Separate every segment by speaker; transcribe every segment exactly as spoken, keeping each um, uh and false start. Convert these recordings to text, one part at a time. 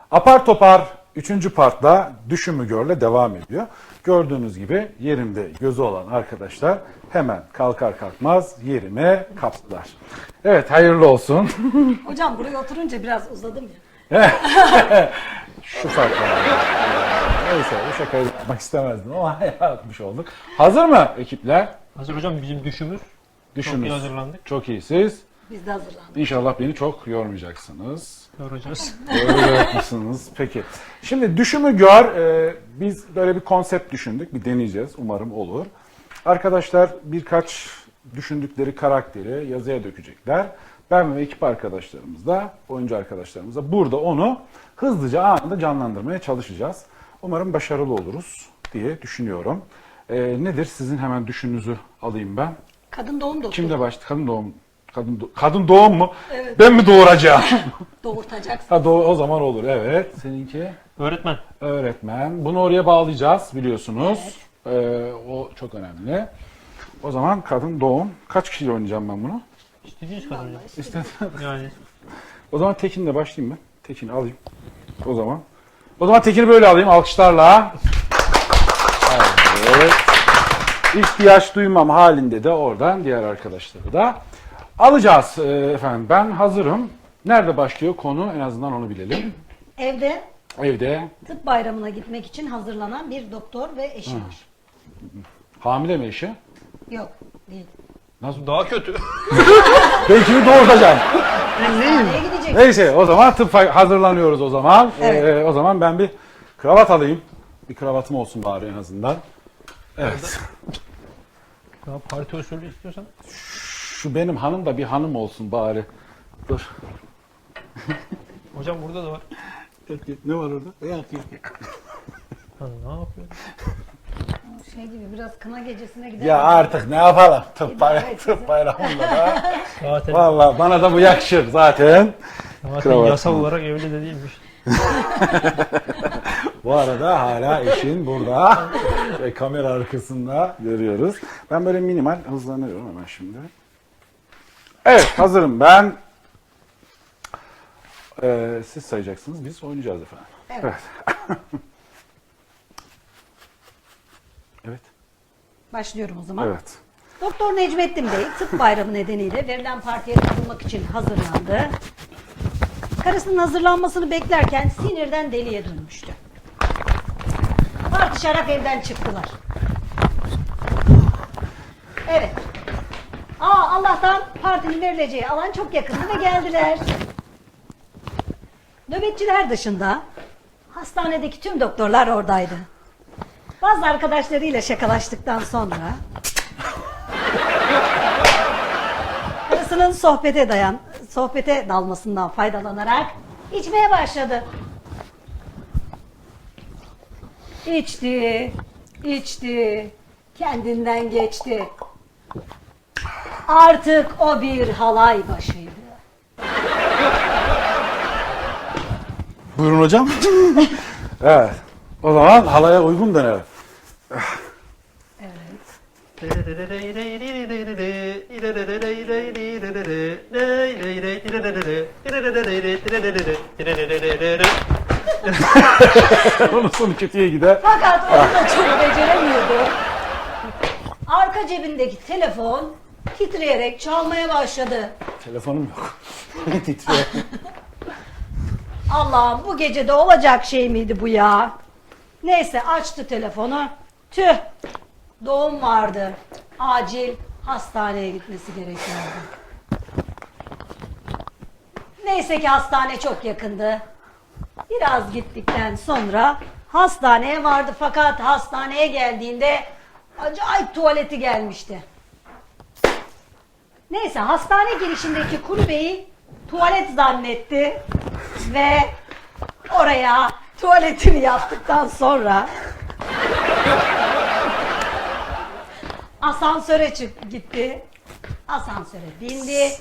Speaker 1: Apar topar üçüncü partla Düşümü Gör'le devam ediyor. Gördüğünüz gibi yerimde gözü olan arkadaşlar hemen kalkar kalkmaz yerime kaptılar. Evet, hayırlı olsun.
Speaker 2: Hocam buraya oturunca biraz uzadım ya.
Speaker 1: Şu fark var. Neyse, bu şakayı yapmak istemezdim ama yapmış olduk. Hazır mı ekipler?
Speaker 3: Hazır hocam, bizim düşümüz.
Speaker 1: Düşünün.
Speaker 3: Çok iyi hazırlandık.
Speaker 1: Çok iyi siz.
Speaker 2: Biz de hazırlandık.
Speaker 1: İnşallah beni çok yormayacaksınız.
Speaker 3: Göreceğiz.
Speaker 1: Öyle mısınız? Peki. Şimdi Düşümü Gör, e, biz böyle bir konsept düşündük. Bir deneyeceğiz. Umarım olur. Arkadaşlar birkaç düşündükleri karakteri yazıya dökecekler. Ben ve ekip arkadaşlarımız da, oyuncu arkadaşlarımız da burada onu hızlıca anında canlandırmaya çalışacağız. Umarım başarılı oluruz diye düşünüyorum. E, nedir? Sizin hemen düşününüzü alayım ben.
Speaker 2: Kadın doğum doktoru.
Speaker 1: Kimde başladı? Kadın doğum. Kadın, do- kadın doğum mu?
Speaker 2: Evet.
Speaker 1: Ben mi doğuracağım?
Speaker 2: Doğurtacaksın.
Speaker 1: Ha, doğ- o zaman olur. Evet. Seninki?
Speaker 3: Öğretmen.
Speaker 1: Öğretmen. Bunu oraya bağlayacağız biliyorsunuz. Ee, o çok önemli. O zaman kadın doğum. Kaç kişiyle oynayacağım ben bunu?
Speaker 3: İstediğiniz kadar hocam.
Speaker 1: İstersen.
Speaker 3: Yani
Speaker 1: O zaman Tekin'le başlayayım ben. Tekin'i alayım. O zaman. O zaman Tekin'i böyle alayım alkışlarla. Evet. İhtiyaç duymam halinde de oradan diğer arkadaşları da alacağız ee, efendim. Ben hazırım. Nerede başlıyor konu, en azından onu bilelim.
Speaker 2: Evde
Speaker 1: Evde.
Speaker 2: tıp bayramına gitmek için hazırlanan bir doktor ve eşi var.
Speaker 1: Hamile mi eşi?
Speaker 2: Yok değil.
Speaker 1: Nasıl?
Speaker 3: daha kötü.
Speaker 1: Ben kimi doğurtacağım?
Speaker 2: Hastaneye gidecek.
Speaker 1: Neyse, o zaman tıp hazırlanıyoruz o zaman.
Speaker 2: Evet.
Speaker 1: Ee, o zaman ben bir kravat alayım. Bir kravatım olsun bari en azından. Evet.
Speaker 3: Ya parti usulü istiyorsan.
Speaker 1: Şu benim hanım da bir hanım olsun bari. Dur.
Speaker 3: Hocam burada da var.
Speaker 1: Ne var orada?
Speaker 3: Ha, ne yapıyor?
Speaker 2: Şey gibi biraz kına gecesine gidelim.
Speaker 1: Ya artık ne yapalım? Tıp, bay
Speaker 2: Evet,
Speaker 1: tıp bayramında da.
Speaker 3: Zaten,
Speaker 1: Valla bana da bu yakışır zaten.
Speaker 3: zaten
Speaker 1: kravat.
Speaker 3: yasal olarak evli de değilmiş.
Speaker 1: Bu arada hala eşin burada. Ve kamera arkasında görüyoruz. Ben böyle minimal hızlanıyorum hemen şimdi. Evet, hazırım ben. Ee, siz sayacaksınız, biz oynayacağız efendim.
Speaker 2: Evet.
Speaker 1: Evet. Evet.
Speaker 2: Başlıyorum o zaman.
Speaker 1: Evet.
Speaker 2: Doktor Necmettin Bey tıp bayramı nedeniyle verilen partiye katılmak için hazırlandı. Karısının hazırlanmasını beklerken sinirden deliye dönmüştü. Tartışarak evden çıktılar. Evet. Aa, Allah'tan partinin verileceği alan çok yakındı ve geldiler. Nöbetçiler dışında hastanedeki tüm doktorlar oradaydı. Bazı arkadaşlarıyla şakalaştıktan sonra karısının sohbete dayan, sohbete dalmasından faydalanarak içmeye başladı. İçti, içti, kendinden geçti. Artık o bir halay başıydı.
Speaker 1: Buyurun hocam. Evet. O zaman halaya uygun dönelim. Onun sonu kötüye gider.
Speaker 2: Fakat onu da çok beceremiyordu. Arka cebindeki telefon titreyerek çalmaya başladı.
Speaker 1: Telefonum yok. Titriyor.
Speaker 2: Allah'ım, bu gecede olacak şey miydi bu ya? Neyse, açtı telefonu. Tüh, doğum vardı. Acil hastaneye gitmesi gerekiyordu. Neyse ki hastane çok yakındı. Biraz gittikten sonra hastaneye vardı, fakat hastaneye geldiğinde acayip tuvaleti gelmişti. Neyse, hastane girişindeki kulübeyi tuvalet zannetti ve oraya tuvaletini yaptıktan sonra asansöre çık gitti. Asansöre bindi.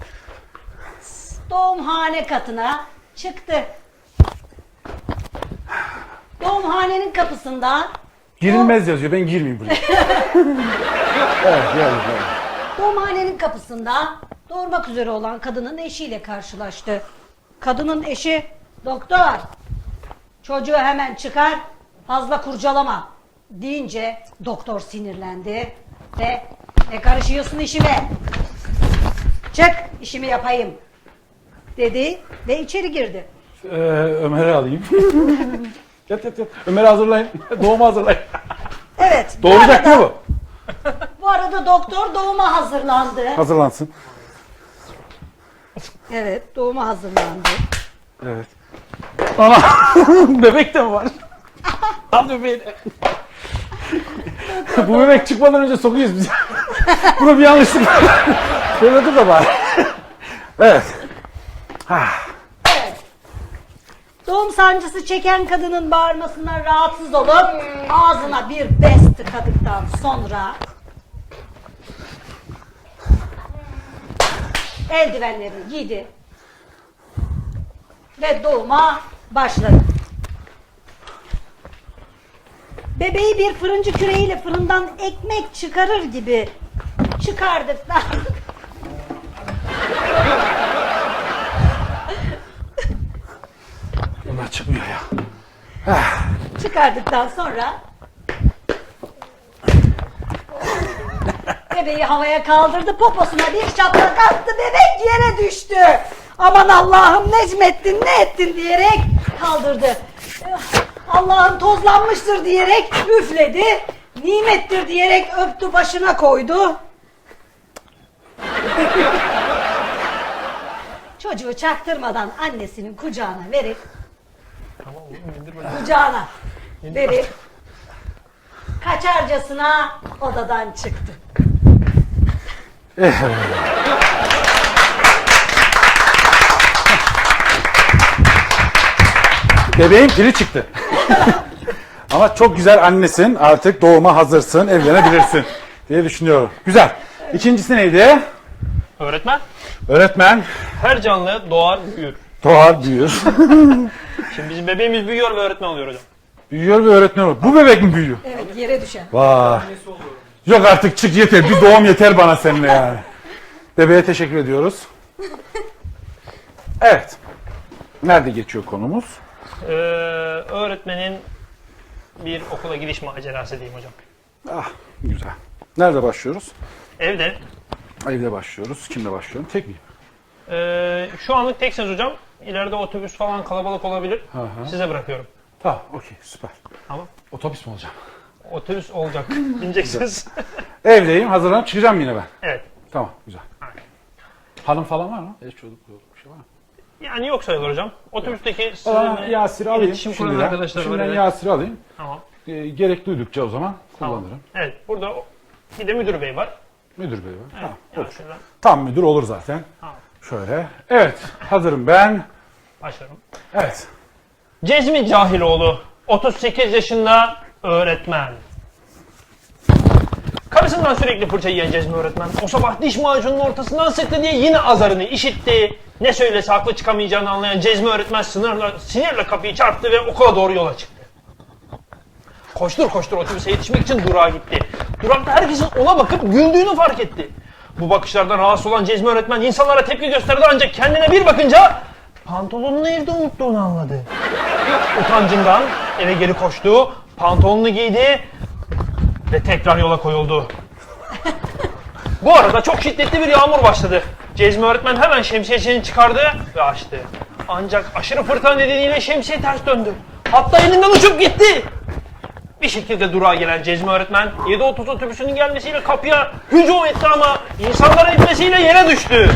Speaker 2: Doğumhane katına çıktı. Doğumhanenin kapısında
Speaker 1: Girilmez yazıyor. Ben girmeyeyim buraya. Evet, gel, gel.
Speaker 2: doğumhanenin kapısında doğurmak üzere olan kadının eşiyle karşılaştı. Kadının eşi, doktor, Çocuğu hemen çıkar, fazla kurcalama deyince doktor sinirlendi ve ne karışıyorsun işime? Çık, işimi yapayım dedi ve içeri girdi.
Speaker 1: Ee, Ömer'i alayım. Yat yat yat. Ömer'i hazırlayın. Doğumu hazırlayın.
Speaker 2: Evet. bu
Speaker 1: Doğuracak
Speaker 2: arada-
Speaker 1: mı bu?
Speaker 2: Bu arada doktor doğuma hazırlandı.
Speaker 1: Hazırlansın.
Speaker 2: Evet, doğuma hazırlandı.
Speaker 1: Evet. Ana bebek de mi var? Al bebeğini. Bu bebek çıkmadan önce sokuyoruz biz. Buna bir yanlışlık var. Şöyle dur da bari. Evet.
Speaker 2: Evet. Doğum sancısı çeken kadının bağırmasından rahatsız olup ağzına bir bez tıkadıktan sonra eldivenlerini giydi ve doğuma başladı. Bebeği bir fırıncı küreğiyle fırından ekmek çıkarır gibi çıkardıktan
Speaker 1: Bunlar çıkmıyor ya.
Speaker 2: çıkardıktan sonra bebeği havaya kaldırdı, poposuna bir şaplak attı, bebek yere düştü. Aman Allah'ım Necmettin ne ettin diyerek kaldırdı. Allah'ım tozlanmıştır diyerek üfledi. Nimettir diyerek öptü, başına koydu. Çocuğu çaktırmadan annesinin kucağına verip
Speaker 3: Tamam oğlum indir bakayım.
Speaker 2: kucağına verip kaçarcasına odadan çıktı.
Speaker 1: Bebeğin pili çıktı. Ama çok güzel annesin. Artık doğuma hazırsın. Evlenebilirsin diye düşünüyorum. Güzel. İkincisi neydi?
Speaker 3: Öğretmen,
Speaker 1: Öğretmen
Speaker 3: her canlı doğar büyür.
Speaker 1: doğar büyür.
Speaker 3: Şimdi bizim bebeğimiz büyüyor ve öğretmen oluyor hocam.
Speaker 1: Büyüyor ve öğretmen olur. Bu bebek mi büyüyor?
Speaker 2: Evet, yere düşen.
Speaker 1: Vay. Yok artık çık yeter. Bir doğum yeter bana seninle yani. Bebeğe teşekkür ediyoruz. Evet. Nerede geçiyor konumuz?
Speaker 3: Ee, öğretmenin bir okula gidiş macerası diyeyim hocam.
Speaker 1: Ah güzel. Nerede başlıyoruz?
Speaker 3: Evde.
Speaker 1: Evde başlıyoruz. Kimle başlıyorum? Tek miyim?
Speaker 3: Ee, şu anlık teksiniz hocam. İleride otobüs falan kalabalık olabilir.
Speaker 1: hı.
Speaker 3: Size bırakıyorum.
Speaker 1: Tamam okey süper.
Speaker 3: Tamam.
Speaker 1: Otobüs mü olacağım?
Speaker 3: Otobüs olacak. İneceksiniz.
Speaker 1: Evdeyim. Hazırlanıp çıkacağım yine ben.
Speaker 3: Evet.
Speaker 1: Tamam güzel. Hanım falan var mı? Eş çocuk bir şey var mı?
Speaker 3: Yani yok sayılır hocam. Otobüsteki
Speaker 1: Aa,
Speaker 3: sizinle
Speaker 1: Yasir'i alayım.
Speaker 3: iletişim kuran
Speaker 1: Şimdiden,
Speaker 3: arkadaşlar var.
Speaker 1: şimdiden
Speaker 3: Evet.
Speaker 1: Yasir'i alayım.
Speaker 3: Tamam.
Speaker 1: Ee, gerek duydukça o zaman
Speaker 3: Tamam.
Speaker 1: kullanırım.
Speaker 3: Evet. Burada bir de müdür bey var.
Speaker 1: Müdür bey var. Tamam, olur.
Speaker 3: Yasir'den.
Speaker 1: Tam müdür olur zaten.
Speaker 3: Tamam.
Speaker 1: Şöyle. Evet. Hazırım ben.
Speaker 3: Başlıyorum.
Speaker 1: Evet.
Speaker 3: Cezmi Cahiloğlu, otuz sekiz yaşında öğretmen. Karısından sürekli fırça yiyen Cezmi öğretmen, o sabah diş macununun ortasından sıktı diye yine azarını işitti. Ne söylese haklı çıkamayacağını anlayan Cezmi öğretmen sınırla, sinirle kapıyı çarptı ve okula doğru yola çıktı. Koştur koştur otobüse yetişmek için durağa gitti. Durakta herkesin ona bakıp güldüğünü fark etti. Bu bakışlardan rahatsız olan Cezmi öğretmen insanlara tepki gösterdi ancak kendine bir bakınca pantolonunu evde unuttuğunu anladı. Utancından eve geri koştu, pantolonunu giydi ve tekrar yola koyuldu. Bu arada çok şiddetli bir yağmur başladı. Cezmi öğretmen hemen şemsiyesini çıkardı ve açtı. Ancak aşırı fırtına nedeniyle şemsiye ters döndü. Hatta elinden uçup gitti. Bir şekilde durağa gelen Cezmi öğretmen yedi otuz otobüsünün gelmesiyle kapıya hücum etti ama insanların itmesiyle yere düştü.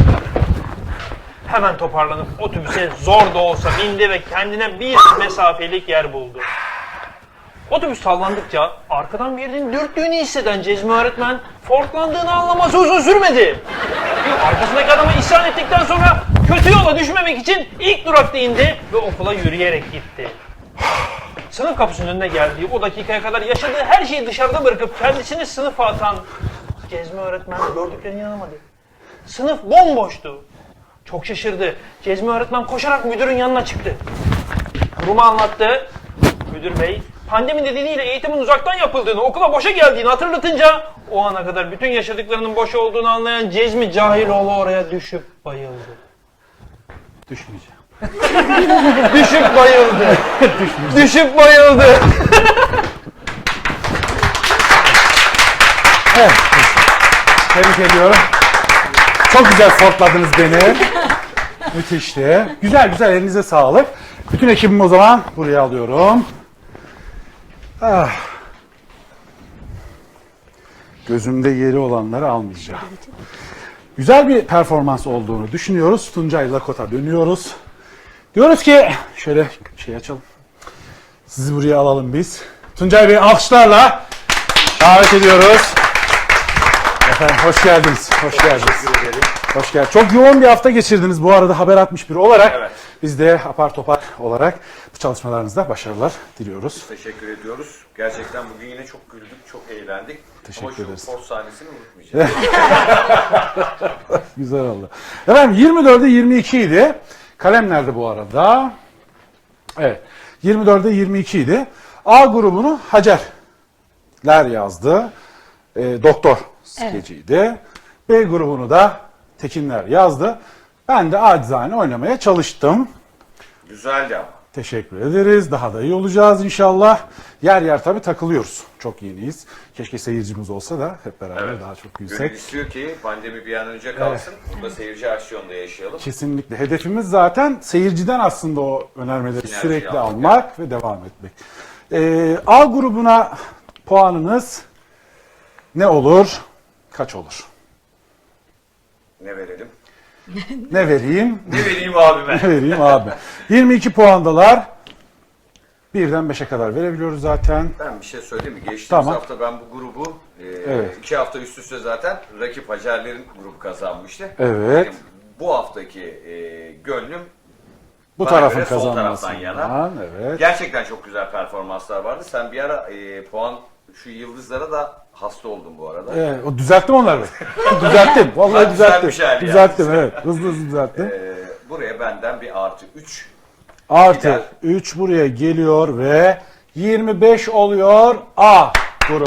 Speaker 3: Hemen toparlanıp otobüse zor da olsa bindi ve kendine bir mesafelik yer buldu. Otobüs sallandıkça arkadan birinin dürttüğünü hisseden Cezmi öğretmen forklandığını anlaması uzun sürmedi. Arkasındaki adama isyan ettikten sonra kötü yola düşmemek için ilk durakta indi ve okula yürüyerek gitti. Sınıf kapısının önüne geldiği o dakikaya kadar yaşadığı her şeyi dışarıda bırakıp kendisini sınıfa atan Cezmi öğretmen gördüklerine inanamadı. Sınıf bomboştu. Çok şaşırdı. Cezmi öğretmen koşarak müdürün yanına çıktı. Durumu anlattı. Müdür bey, pandemi nedeniyle eğitimin uzaktan yapıldığını, okula boşa geldiğini hatırlatınca o ana kadar bütün yaşadıklarının boş olduğunu anlayan Cezmi Cahiloğlu oraya düşüp bayıldı.
Speaker 1: Düşmeyeceğim.
Speaker 3: Düşüp bayıldı. Düşüp bayıldı.
Speaker 1: Evet. Tebrik ediyorum. Çok güzel fortladınız beni. Müthişti. Güzel güzel, elinize sağlık. Bütün ekibimi o zaman buraya alıyorum. Ah. Gözümde yeri olanları almayacağım. Güzel bir performans olduğunu düşünüyoruz. Tuncay Lakota dönüyoruz. Diyoruz ki şöyle şey açalım. Sizi buraya alalım biz. Tuncay Bey alkışlarla davet ediyoruz. Efendim hoş geldiniz. Hoş geldiniz. Hoş geldiniz. Çok yoğun bir hafta geçirdiniz bu arada Haber altmış bir olarak.
Speaker 4: Evet.
Speaker 1: Biz de apar topar olarak bu çalışmalarınızda başarılar diliyoruz.
Speaker 4: Teşekkür ediyoruz. Gerçekten bugün yine çok güldük, çok eğlendik.
Speaker 1: Teşekkür
Speaker 4: Ama şu
Speaker 1: ederiz.
Speaker 4: post sahnesini unutmayacağız.
Speaker 1: Güzel oldu. Efendim yirmi dörde yirmi iki idi. Kalem nerede bu arada? Evet. yirmi dörde yirmi iki idi. A grubunu Hacerler yazdı. E, doktor skeciydi. B grubunu da Tekinler yazdı. Ben de acizane oynamaya çalıştım.
Speaker 4: Güzeldi ama.
Speaker 1: Teşekkür ederiz. Daha da iyi olacağız inşallah. Yer yer tabii takılıyoruz. Çok yeniyiz. Keşke seyircimiz olsa da hep beraber
Speaker 4: Evet.
Speaker 1: daha çok
Speaker 4: Gönül
Speaker 1: gülsek.
Speaker 4: istiyor ki pandemi bir an önce kalsın. Burada seyirci aksiyonda yaşayalım.
Speaker 1: Kesinlikle. Hedefimiz zaten seyirciden aslında o önermeleri
Speaker 4: Sinerji
Speaker 1: sürekli
Speaker 4: yapmak,
Speaker 1: almak ve devam etmek. Ee, A grubuna puanınız ne olur? Kaç olur?
Speaker 4: Ne verelim?
Speaker 1: Ne vereyim?
Speaker 4: Ne vereyim abime?
Speaker 1: Ne vereyim abi? yirmi iki puandalar. Birden beşe kadar verebiliyoruz zaten.
Speaker 4: Ben bir şey söyleyeyim mi? Geçtiğimiz
Speaker 1: Tamam.
Speaker 4: hafta ben bu grubu e,
Speaker 1: Evet.
Speaker 4: iki hafta üst üste zaten rakip Hacerlerin grubu kazanmıştı.
Speaker 1: Evet.
Speaker 4: Benim bu haftaki e, gönlüm
Speaker 1: Bu
Speaker 4: bana
Speaker 1: tarafın
Speaker 4: göre sol
Speaker 1: kazanmasından.
Speaker 4: taraftan yana.
Speaker 1: Evet.
Speaker 4: Gerçekten çok güzel performanslar vardı. Sen bir ara e, puan şu yıldızlara da hasta oldun bu arada.
Speaker 1: Evet, o düzelttim onları. düzelttim. Vallahi
Speaker 4: Bak,
Speaker 1: düzelttim.
Speaker 4: düzeltmiş hali
Speaker 1: Düzelttim
Speaker 4: yani.
Speaker 1: evet. Hızlı hızlı düzelttim.
Speaker 4: E, buraya benden bir artı üç.
Speaker 1: Artı
Speaker 4: gider.
Speaker 1: üç buraya geliyor ve yirmi beş oluyor A grubu.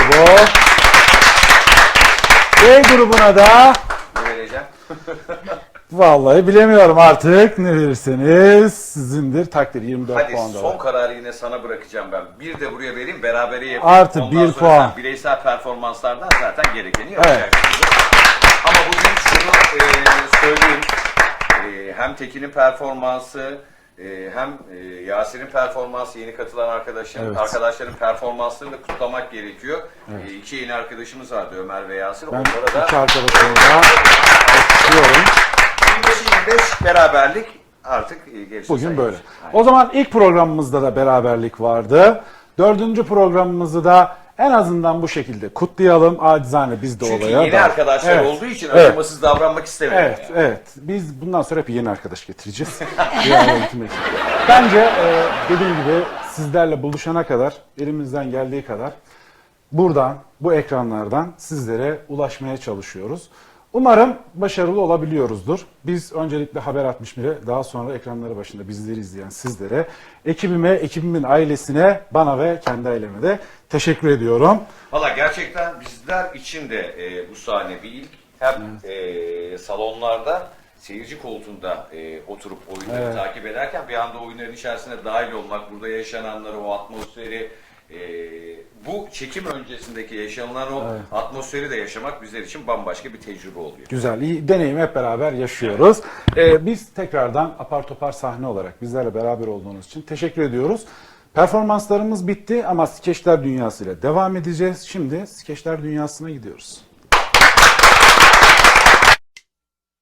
Speaker 1: B grubuna da
Speaker 4: Ne vereceğim?
Speaker 1: vallahi bilemiyorum artık ne verirseniz sizindir takdir yirmi dört
Speaker 4: Hadi
Speaker 1: puan da
Speaker 4: son
Speaker 1: var.
Speaker 4: kararı yine sana bırakacağım ben. Bir de buraya vereyim, berabere yapayım.
Speaker 1: Artı
Speaker 4: Ondan
Speaker 1: bir
Speaker 4: sonra
Speaker 1: puan.
Speaker 4: sen bireysel performanslardan zaten gerekeni yapacaksın.
Speaker 1: Evet.
Speaker 4: Ama bugün şunu e, söyleyeyim. E, hem Tekin'in performansı, e, hem e, Yasir'in performansı, yeni katılan arkadaşların,
Speaker 1: Evet.
Speaker 4: arkadaşların performanslarını da kutlamak gerekiyor. E, iki yeni arkadaşımız vardı, Ömer ve Yasir.
Speaker 1: Ben
Speaker 4: Onlara da
Speaker 1: iki arkadaşımı da alkışlıyorum.
Speaker 4: yirmi beş yirmi beş beraberlik artık e, gerisi
Speaker 1: Bugün
Speaker 4: sayılır.
Speaker 1: böyle.
Speaker 4: Aynen.
Speaker 1: O zaman ilk programımızda da beraberlik vardı. Dördüncü programımızı da en azından bu şekilde kutlayalım. Acizane biz de
Speaker 4: Çünkü
Speaker 1: olaya.
Speaker 4: yeni
Speaker 1: dahil.
Speaker 4: arkadaşlar
Speaker 1: Evet.
Speaker 4: olduğu için
Speaker 1: Evet.
Speaker 4: acımasız davranmak istemedim.
Speaker 1: Evet,
Speaker 4: yani.
Speaker 1: evet. Biz bundan sonra hep yeni arkadaş getireceğiz. Diğer yönetim ekibi. Bence e, dediğim gibi sizlerle buluşana kadar, elimizden geldiği kadar buradan, bu ekranlardan sizlere ulaşmaya çalışıyoruz. Umarım başarılı olabiliyoruzdur. Biz öncelikle Haber altmış bire, daha sonra ekranları başında bizleri izleyen sizlere, ekibime, ekibimin ailesine, bana ve kendi aileme de teşekkür ediyorum.
Speaker 4: Valla gerçekten bizler için de e, bu sahne bir ilk. Hem e, salonlarda seyirci koltuğunda e, oturup oyunları
Speaker 1: Evet.
Speaker 4: takip ederken bir anda oyunların içerisine dahil olmak, burada yaşananları, o atmosferi, e, bu çekim öncesindeki yaşanılan o
Speaker 1: Evet.
Speaker 4: atmosferi de yaşamak bizler için bambaşka bir tecrübe oluyor.
Speaker 1: Güzel, iyi deneyimi hep beraber yaşıyoruz. Ee, biz tekrardan apar topar sahne olarak bizlerle beraber olduğunuz için teşekkür ediyoruz. Performanslarımız bitti ama Skeçler Dünyası ile devam edeceğiz. Şimdi Skeçler Dünyası'na gidiyoruz.